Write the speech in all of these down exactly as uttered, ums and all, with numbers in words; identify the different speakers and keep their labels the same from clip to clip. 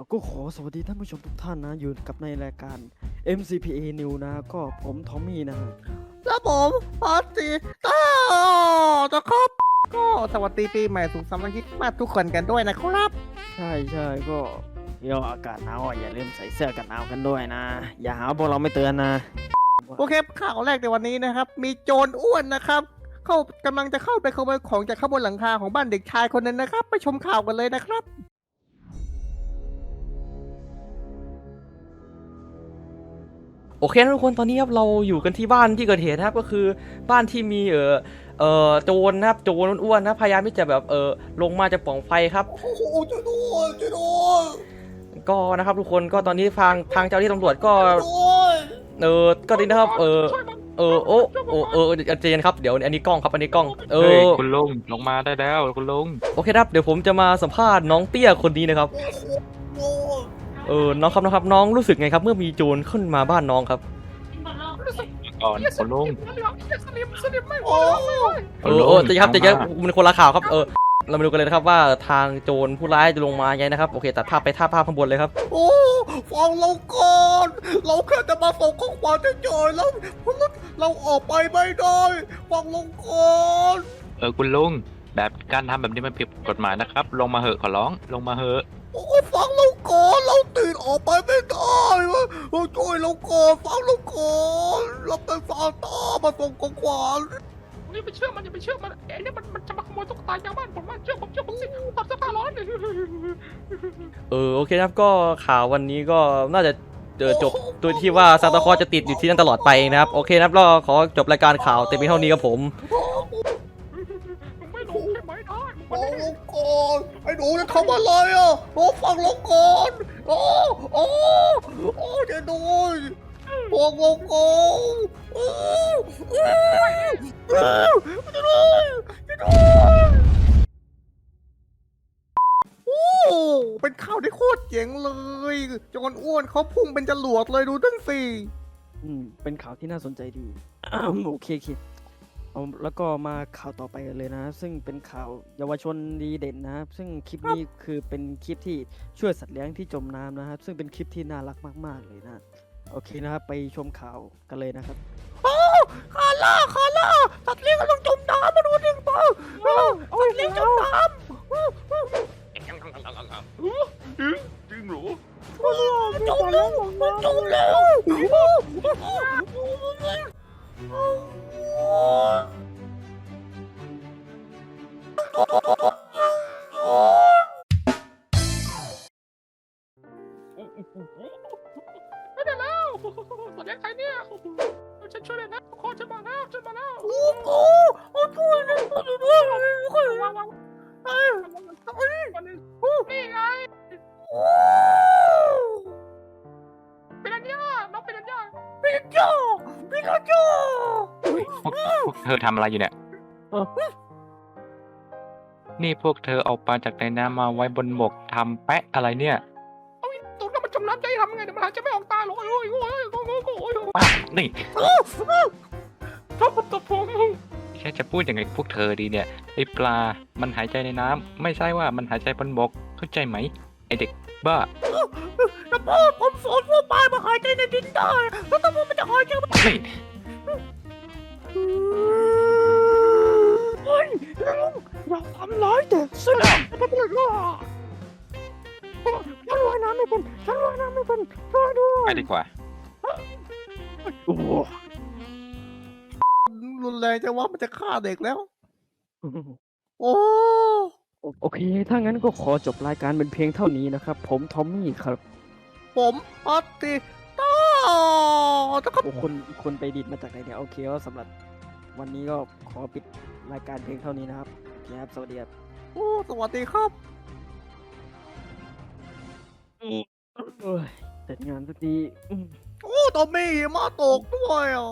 Speaker 1: ก็ขอสวัสดีท่านผู้ชมทุกท่านนะอยู่กับในรายการ เอ็ม ซี พี เอ New นะก็ผมทอมมี่นะฮะ
Speaker 2: แล้วผมพัตติต้าจะครับก็สวัสดีปีใหม่สุขสันต์วันคริสต์มาสทุกคนกันด้วยนะครับ
Speaker 1: ใช่ใช่ก็เดี๋ยวอากาศหนาวอ่ะอย่าลืมใส่เสื้อกันหนาวกันด้วยนะ อย่าหาพวกเราไม่เตือนนะ
Speaker 2: โอเคข่าวแรกในวันนี้นะครับ มีโจรอ้วนนะครับ เข้ากำลังจะเข้าไปขโมยของจากข้างบนหลังคาของบ้านเด็กชายคนนั้นนะครับ ไปชมข่าวกันเลยนะครับ
Speaker 3: โอเคนะทุกคนตอนนี้ครับเราอยู่กันที่บ้านที่เกิดเหตุนะครับก็คือบ้านที่มีเออเออโจรนะครับโจรอ้วนๆนะพยายามที่จะแบบเออลงมาจากปล่องไฟครับ
Speaker 2: โอ้โหช่วยด้วยช่วยด้วย
Speaker 3: ก็นะครับทุกคนก็ตอนนี้ทางทางเจ้าหน้าที่ตำรวจก็
Speaker 2: ด้วย
Speaker 3: เออก็ดีนะครับเออเออโอ้โอ้เออเจนครับเดี๋ยวอันนี้กล้องครับอันนี้กล้องเอ
Speaker 4: เฮ้ย
Speaker 3: อ
Speaker 4: คุณลุงลงมาได้แล้วคุณลุง
Speaker 3: โอเคครับเดี๋ยวผมจะมาสัมภาษณ์น้องเตี้ยคนนี้นะครับ
Speaker 2: โอ้โห
Speaker 3: เออน้องครับน้องครับน้องรู้สึกไงครับเมื่อมีโจรขึ้นมาบ้านน้องครับ
Speaker 4: ก่อนคุณลุง
Speaker 2: โอ้โห
Speaker 3: เออเออแต่ครับแต่ครับมันคนละข่าวครับเออเรามาดูกันเลยนะครับว่าทางโจรผู้ร้ายจะลงมาไงนะครับโอเคตัดภาพไปท่าภาพข้างบนเลยครับ
Speaker 2: โอ้ฟังเราก่อน เราแค่จะมาส่งข้อความเฉยๆแล้วเราออกไปไม่ได้ฟังเราก่อน
Speaker 4: เออคุณลุงแบบการทำแบบนี้มันผิดกฎหมายนะครับ ลงมาเหอะขอร้องลงมาเหอะ
Speaker 2: โอ้ฟังเราก่อนเราตื่นออกไปไม่ได้วะเราช่วยเราก่อนฟังเราก่อนเราเป็นซานต้ามาส่งของขวัญ
Speaker 5: อย่าไปเชื่อมันอย่าไปเชื่อมันไอ้เนี่ยมันมันจะมาขโมยตุ๊กตายางบ้านผมมันเชื่อผมเชื่อผมสิตัดเสื้อผ้าร้อนเลย
Speaker 3: เออโอเคนะครับก็ข่าววันนี้ก็น่าจะเจอจบโดยที่ว่าซานตาคลอสจะติดอยู่ที่นั่นตลอดไปนะครับโอเคนะครับก็ขอจบรายการข่าวแต่เพียงเท่านี้ครับผม
Speaker 5: มึงไม่รู้ใช่ไหมได้มึง
Speaker 2: ฟั
Speaker 5: ไม่
Speaker 2: ง
Speaker 5: ได้
Speaker 2: เราก่อนไอ้หนูจะทำอะไรอ่ะโอ้ฟังเราก่อนโอ้โอ้โอ้จะดูฟังเราก่อนโอ้โอ้จะดูจะดูโอ้เป็นข่าวที่โคตรเจ๋งเลยจนอ้วนเขาพุ่งเป็นจรวดเลยดูตั้งสี่
Speaker 1: อืมเป็นข่าวที่น่าสนใจดีอ้าวโอเคโอเคเอาแล้วก็มาข่าวต่อไปกันเลยนะ ซึ่งเป็นข่าวเยาวชนดีเด่นนะครับซึ่งคลิปนี้คือเป็นคลิปที่ช่วยสัตว์เลี้ยงที่จมน้ำนะครับซึ่งเป็นคลิปที่น่ารักมากๆเลยนะโอเคนะครับไปชมข่าวกันเลยนะครับ
Speaker 2: โอ้คาร่าคาร่าสัตว์เลี้ยงกำลังจมน้ำมาดูดิเปล่าสัตว์เลี้ยงจมน้ำ
Speaker 5: จริงเหรอ
Speaker 2: จมแล้วจมแล้ว
Speaker 5: ไม่ได้แล้วสวัสดีใครเนี่ยฉันช่วยเลยนะทุกคนฉันมาแล้วฉันมาแล้ว
Speaker 2: โอ้โหโอ้ช่วยด้วยช่วยด้วยช่วยด้วย
Speaker 5: วางวางเอ้ยวันนึงนี่ไงเป็นอันย่าน้องเป็นอันย่า
Speaker 2: พี่โจ้พี่โจ้
Speaker 4: พวกพวกเธอทำอะไรอยู่เนี่ยนี่พวกเธอเอาปลาจากในน้ำมาไว้บนบกทำแปะอะไรเนี่ย
Speaker 5: เอาตุ๊กตามันจมน้ำใจทำไงเดี๋ยวมันหายใจไม่ออกตาหรอกโอ้ยโอ้ยโอ้ยโอ้ยโอ้ย
Speaker 4: ป้านี่
Speaker 5: ชอบตบผม
Speaker 4: แค่จะพูดยังไงพวกเธอดีเนี่ยไอปลา มันหายใจในน้ำไม่ใช่ว่ามันหายใจบนบกเข้าใจไหมไอเด็กบ้า
Speaker 2: แต่พ่อผมสอนว่าปลามาหายใจในดินได้แล้วทำไมมันจะหายใจไม่
Speaker 4: นี่
Speaker 1: เฮ้ยลุงอย่าทำร้ายเด็กสิไม่เป็นไรฉันว่ายน้ำไม่เป็นฉันว่ายน้ำไม่เป็นช่วยด้วย
Speaker 4: ไปดีกว่า
Speaker 1: โอ้โห
Speaker 2: รุนแรงจะว่ามันจะฆ่าเด็กแล้ว โอ้
Speaker 1: โอเค ถ้างั้นก็ขอจบรายการเป็นเพียงเท่านี้นะครับ ผมทอมมี่ครับ
Speaker 2: ผมพัตติต้าจะครับ
Speaker 1: โอ้คนคนไปดิดมาจากไหนเนี่ยโอเคก็สำหรับวันนี้ก็ขอปิดรายการเพียงเท่านี้นะครับโอเคครับสวัสดีครับ
Speaker 2: โอ้สวัสดีครับ
Speaker 1: เอ้ยเสร็จงานสักทีอืม
Speaker 2: โอ้ตอมมี่หิมะตกด้วยอ่ะ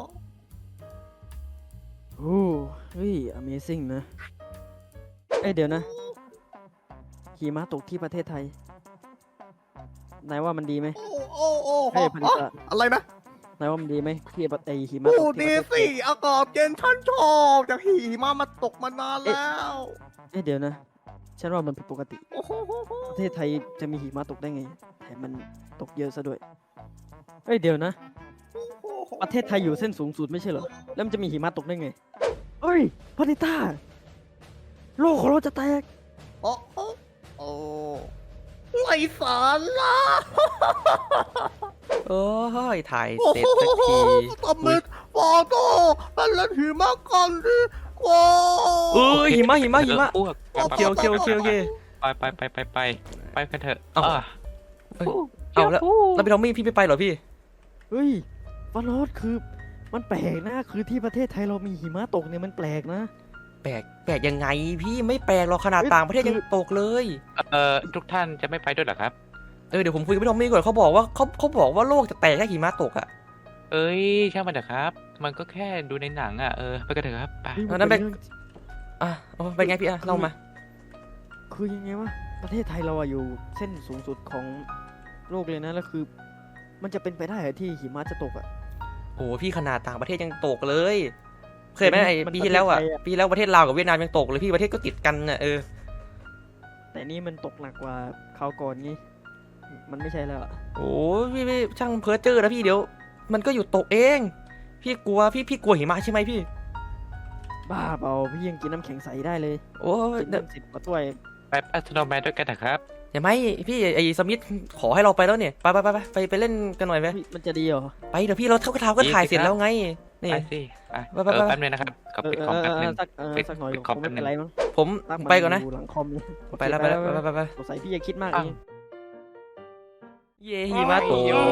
Speaker 1: โอ้เฮ้ย Amazing นะ เอ้ยเดี๋ยวนะหิมะตกที่ประเทศไทยนายว่ามันดีไหม
Speaker 2: โอ้โอ้โอ้
Speaker 1: เฮ้ยพันธุ์
Speaker 2: อะไรนะ
Speaker 1: นายว่ามันดีไหมที่ประเทศหิมะต
Speaker 2: โอ้
Speaker 1: กที่
Speaker 2: ดี
Speaker 1: ประเทศไท
Speaker 2: สิ
Speaker 1: ย
Speaker 2: อากาศเย็นฉันชอบจากหิมะมาตกมานานแล้ว
Speaker 1: เอ้ยเดี๋ยวนะฉันว่ามันผิดปกติ
Speaker 2: โอ้โห
Speaker 1: ประเทศไทยจะมีหิมะตกได้ไงแถมมันตกเยอะซะด้วยเอ้ยเดี๋ยวนะ ประเทศไทยอยู่เส้นสูงสุดไม่ใช่เหรอแล้วมันจะมีหิมะตกได้ไงเอ้ยพานิต้าโลกของเราจะแตก
Speaker 2: โอ้โหโอ้ไรสาระ
Speaker 3: โอ้ยถ่ายเสร็จสักที
Speaker 2: ทำไมฟอโต้เป็นเล่นหิมะกันดีกว่า
Speaker 3: เอ้ยหิมะหิมะหิมะ
Speaker 4: อ้วก
Speaker 3: โอเคโอเคโอเคโอเค
Speaker 4: ไปไปไปไปไปไปกันเถอะ
Speaker 3: เอ้า
Speaker 4: อ่ะ
Speaker 3: เอ้ยเอาแล้วแล้วพี่ทอมมี่พี่ไม่ไปเหรอพี่
Speaker 1: เฮ้ยฟานอสคือมันแปลกนะคือที่ประเทศไทยเรามีหิมะตกเนี่ยมันแปลกนะ
Speaker 3: แปลกแปลกยังไงพี่ไม่แปลกหรอกขนาด
Speaker 1: เอ้ย
Speaker 3: ต่างประเทศ
Speaker 1: คือ
Speaker 3: ยังตกเลย
Speaker 4: เอ่อทุกท่านจะไม่ไปด้วยเหรอครับ
Speaker 3: เออเดี๋ยวผมคุยกับพี่ทอมมี่ก่อนเขาบอกว่าเขาเขาบอกว่าโลกจะแตกแค่หิมะตกอ่ะ
Speaker 4: เอ้ยช่างมันเถอะครับ มันก็แค่ดูในหนังอ่ะเออไปกันเถอะครับไป
Speaker 1: เฮ้ย
Speaker 3: อันนั้นเป็น
Speaker 1: รื่อง
Speaker 3: อ่ะเอาเป็นไงพี่อ่ะเล่ามา
Speaker 1: คือยังไงวะประเทศไทยเราอะอยู่เส้นสูงสุดของโลกเลยนะแล้วคือ มันจะเป็นไปได้เหรอที่หิมะจะตกอะ
Speaker 3: โอ้พี่ขนาดต่างประเทศยังตกเลย เคยไหมไอ้
Speaker 1: มัน
Speaker 3: ปีที่แล้วอ่ะ
Speaker 1: ประเทศไทยอะ
Speaker 3: ปีแล้วประเทศลาวกับเวียดนามยังตกเลยพี่ประเทศก็ติดกันน่ะเออ
Speaker 1: แต่นี่มันตกหนักกว่าคราวก่อนงี้มันไม่ใช่แล้วอะ
Speaker 3: โอ้พี่พี่ช่างเพ้อเจ้อนะพี่เดี๋ยว มันก็อยู่ตกเอง พี่กลัวพี่พี่กลัวหิมะใช่ไหมพี่
Speaker 1: บ้าเปล่าพี่ยังกินน้ำแข็งใสได้เลย
Speaker 3: โอ้ย
Speaker 1: กินน้ำสิบกว่าถ้วย
Speaker 4: ไปไปสโนว์แมนด้วยกันเถอะครับ
Speaker 3: เห็นไหมพี่ไอ้สมิธขอให้เราไปแล้วเนี่ยไปไปไปไปไปไปเล่นกันหน่อยไหม
Speaker 1: เฮ้ยมันจะดีเหรอ
Speaker 3: ไปเดี๋ยวพี่เราเท่ากับทาวก็ถ่ายเสร็จแล้วไงนี่
Speaker 4: ไปสิไป
Speaker 3: ไปไป
Speaker 4: เออ
Speaker 3: ไป
Speaker 4: แป๊บนึงนะครับขอ
Speaker 1: เออ
Speaker 4: ปิด
Speaker 1: เอ
Speaker 4: คอม
Speaker 1: อ
Speaker 4: แป๊บ
Speaker 1: เอ
Speaker 4: นึ
Speaker 1: อง สักเออ
Speaker 4: ปิด
Speaker 1: สักหน่อย
Speaker 4: ปิด
Speaker 1: ค
Speaker 4: คอม
Speaker 1: งไม่
Speaker 4: แป๊บนึ
Speaker 1: เป็น
Speaker 4: ง
Speaker 1: ไรมั้ง
Speaker 3: ผม
Speaker 1: ตั้งมั
Speaker 3: ไปก่อนนะ
Speaker 1: ยู่หลังคอม
Speaker 3: ไปแล้วไปแล้วไปไปไป
Speaker 1: สงสัยพี่จะคิดมาก
Speaker 4: อ้าว
Speaker 1: เอง
Speaker 3: เย่หิมะตก
Speaker 4: โย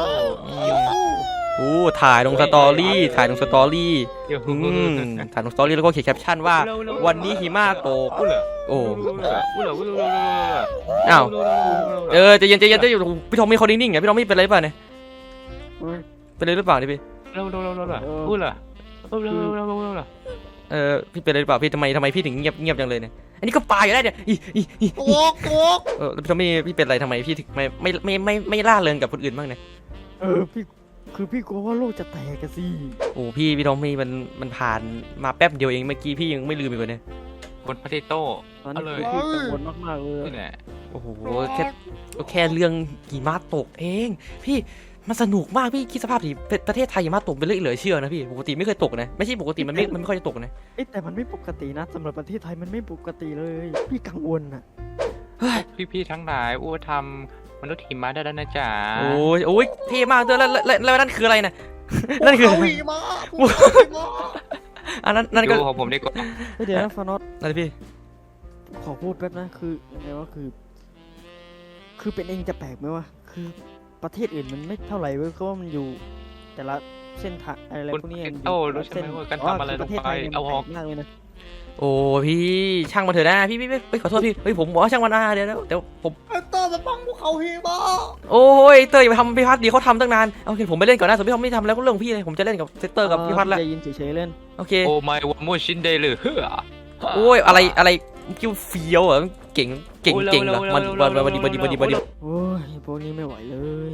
Speaker 3: โอ้ถ่ายลงสตอรี่ถ่ายลงสตอรี่
Speaker 4: โย
Speaker 3: อืมถ่ายลงสตอรี่แล้วก็เขียนแคปชั่นว่า วันนี้หิมะตก
Speaker 4: อู้เหรอ
Speaker 3: โอ้
Speaker 4: อู้เหรออู้เหรออู้เหรอ
Speaker 3: อ้าว เออใจเย็นใจเย็นใจเย็นพี่ทอมมี่เขานิ่งๆไงพี่ทอมมี่เป็นอะไรเปล่าเนี่ย
Speaker 1: เฮ้ย
Speaker 3: เป็นอะไรหรือเปล่าเนี่ยพี่
Speaker 4: เร็วเร็วเร็วเร็วเร็วอู้เหรออู้เร็วเร็วเร็วเร็วเร็วเร็ว
Speaker 3: เออพี่เป็นอะไรหรือเปล่าพี่ทำไมทำไมพี่ถึงเงียบเงียบจังเลยเนี่ยอันนี้ก็ปลาอยู่ได้เนี่ยอีอีอี
Speaker 2: ตกตก
Speaker 3: เออแล้วพี่ทอมมี่พี่เป็นอะไรทำไมพี่ถึงไม่ไม่ไม่ไม่ไม่ล่าเริงกับคนอื่นบ้างเนี่ย
Speaker 1: เออพี่คือพี่กลัวว่าโลกจะแตกกันสิ
Speaker 3: โอ้พี่พี่ทอมมี่มันมันผ่านมาแป๊บเดียวเองเมื่อกี้พี่ยังไม่ลืมอีกเลยเนี่ย
Speaker 4: คนพาติโต้
Speaker 1: ตอน
Speaker 4: เอา
Speaker 1: นี้
Speaker 4: เลย
Speaker 1: คือพี่กังวลมากๆเลย
Speaker 4: นี่แหละ
Speaker 3: โอ้โหแค่แค่เรื่องหิมะตกเอง พี่มันสนุกมากพี่คิดสภาพดิประประเทศไทยหิมะตกเป็นเรื่องเหลือเชื่อนะพี่ปกติไม่เคยตกนะไม่ใช่ปกติมันไม่มันไม่ค่อยจะตกนะ
Speaker 1: เอ้ยแต่มันไม่ปกตินะสำหรับประเทศไทยมันไม่ปกติเลย พี่กังวลอะ
Speaker 3: เฮ้ย
Speaker 4: พี่ๆทั้งหลายอู้ทำมนุษย์หิมะได้แล้วนะจ๊ะ
Speaker 3: โอ้ยโอ้ยเท่มากด้วยแล้วแล้วแล้วแล้วนั่นคืออะไรนะ นั่นคือ
Speaker 2: ภูเขาหิมะภูเขาหิมะ
Speaker 3: อันนั้นนั่นก็
Speaker 4: ดูของผมดีกว่า
Speaker 1: เฮ้ยเดี๋ยวนะฟานอส
Speaker 3: อะไรพี่
Speaker 1: ขอพูดแป๊บนะคือยังไงวะคือ คือเป็นเองจะแปลกไหมวะคือประเทศอื่นมันไม่เท่าไหร่เว้ยเพราะว่ามันอยู่ แต่ละเส้นทางอะไร
Speaker 4: คุณ
Speaker 1: พวกนี้
Speaker 4: พา
Speaker 1: มัน
Speaker 4: ติ
Speaker 1: อยู่
Speaker 4: โต้
Speaker 1: แต่
Speaker 4: รู้
Speaker 1: ละ
Speaker 4: ใช่ไหม
Speaker 1: เส้น
Speaker 4: ว่าการ
Speaker 1: อ๋อ
Speaker 4: ทำอะไร
Speaker 1: คือ
Speaker 4: ล
Speaker 1: ป
Speaker 4: ง
Speaker 1: ระเทศ
Speaker 4: ไป
Speaker 1: ไทยเนี่ย
Speaker 4: เอาออก
Speaker 1: มันแปลกมากเลยนะ
Speaker 3: โอ้พี่ช่างมันเถอะนะพี่พี่พี่เฮ้ยขอโทษพี่เฮ้ยผมบอกว่าช่างมันนะเดี๋ยวเดี๋ยวเดี๋ยวผม
Speaker 2: ไอ้เตอร์มาปังภูเขาหิมะ
Speaker 3: โอ้ยเตอร์อย่าไปทำพี่พัดดีเขาทำตั้งนานโอเคผมไปเล่นก่อนนะส่วนพี่ทอมไม่ทำแล้วก็เรื่องของพี่เลยผมจะเล่นกับเซตเตอร์กับพี่พัดแล้ว
Speaker 1: ใจเย็นเฉยๆเล่น
Speaker 3: โอเค
Speaker 4: โอ้ไม่ว่ามูชินเดย์เลยเฮ้อ
Speaker 3: โอ้ยอะไรอะไรคิวเฟียวเหรอเก่งเก่งเก่งเหรอมันมันมันดีมันดีมันดีมันดี
Speaker 1: โอ้ยพวกนี้ไม่ไหวเลย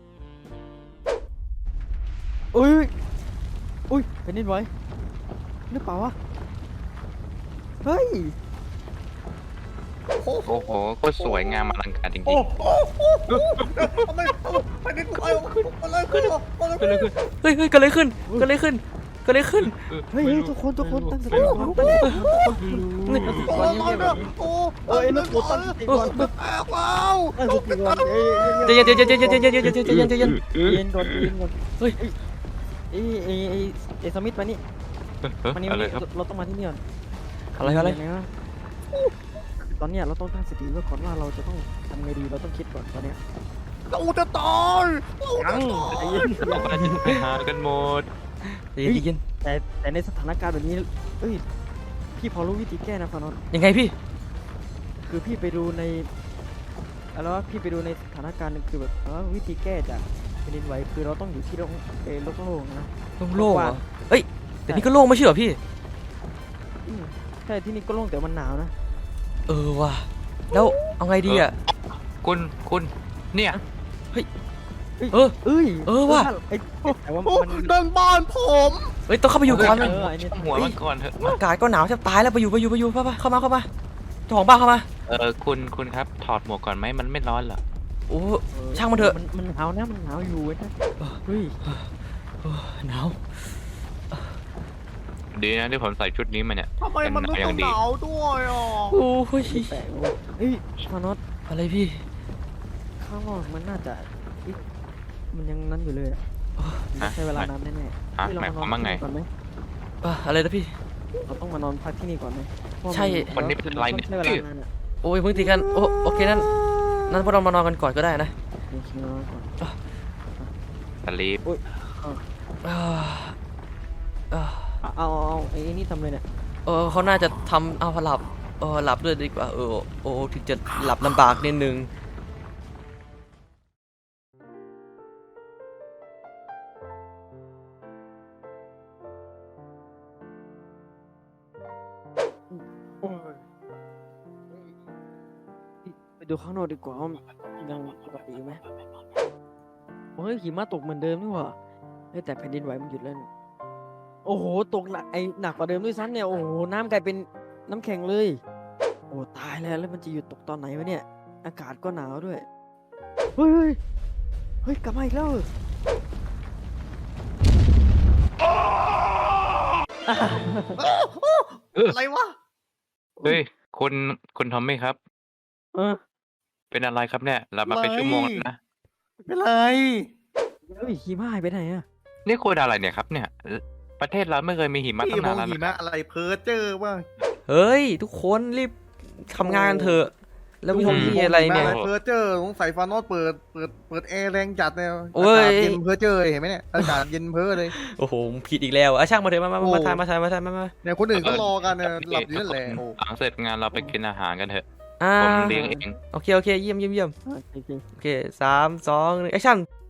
Speaker 1: อุ้ยอุ้ยเป็นนิดไหวหรือเปล่าวะเฮ้ย
Speaker 2: โอ้โห
Speaker 4: โอ้โหโคตรสวยงามอลังการจริง
Speaker 2: โอ้โหทำไมไปนิดไปอะไรขึ้นอะไร
Speaker 4: ๆก็เลยคือ
Speaker 3: เฮ้ยเฮ้ยเกิดอะไรขึ้นเกิดอะไรขึ้นเกิดอะไรขึ้น
Speaker 1: เฮ้ยเฮ้ยทุกคนทุกคนตั้งสติก่อนตั้งสติก่อนตั้งสติก่อนเงียบๆก่อน
Speaker 2: โอ้
Speaker 1: เอ้ยนักบุญตั้งสติก่อน
Speaker 2: แตกแล้ว
Speaker 1: ตั้งสติก่อนเอ้ย
Speaker 3: ใจเย็นใจเย็นใจเย็นใจเย็นใจเย็นใจเย็นใจเย็น
Speaker 1: เย็นก่อนเย็นก่อน
Speaker 3: เฮ้ย
Speaker 1: เอ้ยเอ้ยเอ้ยเอ้ยสมิธมานี่มานี่
Speaker 4: อะไร
Speaker 1: มานี่
Speaker 4: ครับ
Speaker 1: เราต้องมาที่นี่ก่อน
Speaker 3: อะไรอะไร
Speaker 1: ยังงวะตอนเนี้ยเราต้องตั้งสติไว้ก่อนว่าเราจะต้องทำไงดีเราต้องคิดก่อนตอนเนี้ย
Speaker 2: เราจะตายเราจะ
Speaker 1: ยัง
Speaker 2: ตาย
Speaker 1: ใจเย็น
Speaker 4: เราก็จะไปหากันหมด
Speaker 3: ใจเย็นใจเย็น
Speaker 1: แต่แต่ในสถานการณ์แบบนี้เอ้ยพี่พอรู้วิธีแก้นะฟานอส
Speaker 3: ยังไงพี่
Speaker 1: คือพี่ไปดูในอะไรวะพี่ไปดูในสถานการณ์หนึงคือแบบเออวิธีแก้จากแผ่นดินไหวคือเราต้องอยู่ที่โล่งเออโล่งๆนะ
Speaker 3: โล่งๆเหรอเอ้ยแต่นี่ก็โล่งไม่ใช่เหรอพี่
Speaker 1: อืมใช่ที่นี่ก็โล่งแต่มันหนาวนะ
Speaker 3: เออว่ะแล้วเอาไงดีอ่ะ
Speaker 4: คุณคุณเนี่ย
Speaker 3: เออ
Speaker 1: เอ้ย
Speaker 3: เออว่ะ
Speaker 1: ไอ้แต่ว่า
Speaker 2: โอ้
Speaker 1: มัน
Speaker 2: นั่นบ้านผม
Speaker 3: เอ้ยต้องเข้าไปอยู่ก่อน
Speaker 1: เออไอ้นี่
Speaker 4: หัวมันก่อนเถอะ
Speaker 3: อากาศก็หนาวแทบตายแล้วไปอยู่ไปอยู่ไปอยู่ไปไปเข้ามาเข้ามาเจ้าของบ้านเข้ามา
Speaker 4: เออคุณคุณครับถอดหมวกก่อนไหมมันไม่ร้อนเหรอ
Speaker 3: โอ้ช่างมันเถอะ
Speaker 1: มันมันหนาวนะมันหนาวอยู่เว้ยนะเฮ้ย
Speaker 3: หนาว
Speaker 4: ดีนะที่ผมใส่ชุดนี้มาเนี่ย
Speaker 2: ทำไมมัน
Speaker 4: เป็น
Speaker 2: ไม่
Speaker 4: หนาวอย่างดี
Speaker 2: หนาวด้วยอ่ะ
Speaker 3: โอ้ย
Speaker 1: แปลกเว้ยเฮ้ยมานอส
Speaker 3: อะไรพี่
Speaker 1: ข้างนอกมันน่าจะเอ๊ะมันยังนั้นอยู่เลยอะมันใช้เวลานานแน่ๆ
Speaker 4: ฮะ
Speaker 1: เฮ้ยเร
Speaker 4: หมายความว่าไง
Speaker 1: ที่ก่อนไหม
Speaker 3: อ่ะอะไรนะพี่
Speaker 1: เราต้องมานอนพักที่นี่ก่อนไหมเพราะว่า
Speaker 3: ใช่
Speaker 4: คนนี้เป็นอะไรเนี่ย
Speaker 1: ใช้เวลานานอะ
Speaker 3: โอ้ยเพิ่งตีกันโอ้โอเคนั่นนั่นพวกเรามานอนกันก่อนก็ได้นะ
Speaker 1: โอเคมานอนก่อน
Speaker 4: สลีป
Speaker 3: อ่าอ่า
Speaker 1: เอาเอาเอาไอ้นี่ทำเลยเนี่ย
Speaker 3: เออเขาน่าจะทำเอาหลับเออหลับด้วยดีกว่าเออโอ้ถึงจะหลับลำบากนิดนึง
Speaker 1: โอ้ยไปดูข้างนอกดีกว่าว่ายังปกติอยู่ไหมเฮ้ยหิมะตกเหมือนเดิมนี่หว่าเฮ้ยแต่แผ่นดินไหวมันหยุดแล้วนี่โอ้โหตกหนักไอหนักกว่าเดิมด้วยซ้ำเนี่ยโอ้โหน้ำกลายเป็นน้ำแข็งเลย โอ้ตายแล้วแล้วมันจะหยุดตกตอนไหนวะเนี่ย อากาศก็หนาวด้วยเฮ้ยเฮ้ยเฮ้ยกลับมาอีกแล้วเหรอ
Speaker 2: อะไรวะ
Speaker 4: เฮ้ยคุณคุณทอมมี่ครับ
Speaker 1: เออ
Speaker 4: เป็นอะไรครับเนี่ยหลับมาเป็นชั่วโมงแล้วนะ
Speaker 2: เป็นไร
Speaker 1: เฮ้ยหิมะหายไปไหนอะ
Speaker 4: นี่คุณอะไรเนี่ยครับเนี่ย ประเทศเราไม่เคยมีหิมะ
Speaker 2: พี่
Speaker 4: ตั้ง
Speaker 2: ม
Speaker 4: นา
Speaker 2: อน ง
Speaker 4: แล้ว
Speaker 2: หิ
Speaker 4: นะ
Speaker 2: มะอะไรเพ้อเจอว่า
Speaker 3: เฮ้ย ทุกคนรีบทำงานกันเถอะ แล้วมีมีอะไรเนี่ย
Speaker 2: เพ้อเจอสงสัยฟานอสเปิดเปิดเปิดแอร์แรงจัดเนี่ย
Speaker 3: โอ้ย
Speaker 2: อากาศเย็นเพ้อเจอเห็นไหมเนี่ยอากาศเย็นเพ้อเลย
Speaker 3: โอ้โหผิดอีกแล้วอ่ะช่างมาเถอะมามา
Speaker 2: โอ้
Speaker 3: มาทายมาทายมาทายมามา
Speaker 2: เนี่ยคนอื่นก็รอกันเนี่ยหลับอยู่นั่นแหละโอ้
Speaker 4: หลังเสร็จงานเราไปกินอาหารกันเถอะ
Speaker 3: อ่า
Speaker 4: ผมเลี้ยงเอง
Speaker 3: โอเคโอเคเยี่ยมเยี่ยมเยี่ยม
Speaker 1: อ่ะโอเค
Speaker 3: โอเคสามสองหนึ่งแอคชั่น